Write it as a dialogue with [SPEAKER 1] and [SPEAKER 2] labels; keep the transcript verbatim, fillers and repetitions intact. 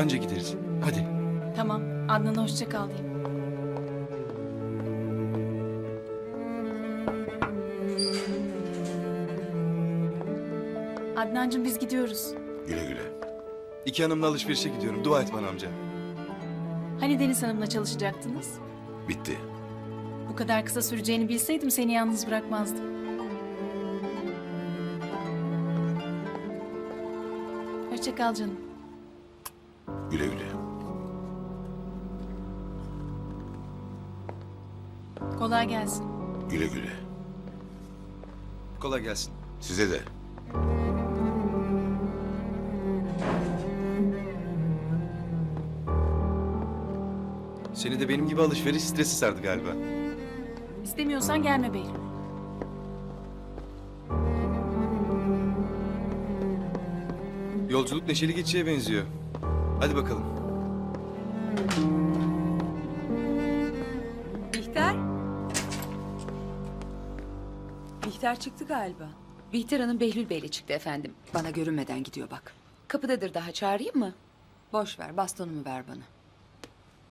[SPEAKER 1] Anca gideriz. Hadi.
[SPEAKER 2] Tamam. Adnan'a hoşça kal diyeyim. Adnancığım biz gidiyoruz.
[SPEAKER 3] Güle güle.
[SPEAKER 1] İki hanımla alışverişe gidiyorum. Dua et bana amca.
[SPEAKER 2] Hani Deniz Hanım'la çalışacaktınız?
[SPEAKER 3] Bitti.
[SPEAKER 2] Bu kadar kısa süreceğini bilseydim seni yalnız bırakmazdım. Hoşça kal canım.
[SPEAKER 3] Güle güle.
[SPEAKER 2] Kolay gelsin.
[SPEAKER 3] Güle güle.
[SPEAKER 1] Kolay gelsin.
[SPEAKER 3] Size de.
[SPEAKER 1] Seni de benim gibi alışveriş stresi sardı galiba.
[SPEAKER 2] İstemiyorsan gelme Behlül.
[SPEAKER 1] Yolculuk neşeli geçeceğe benziyor. Hadi bakalım.
[SPEAKER 4] Bihter? Bihter çıktı galiba.
[SPEAKER 5] Bihter Hanım Behlül Bey'le çıktı efendim. Bana görünmeden gidiyor bak. Kapıdadır, daha çağırayım mı?
[SPEAKER 4] Boş ver, bastonumu ver bana.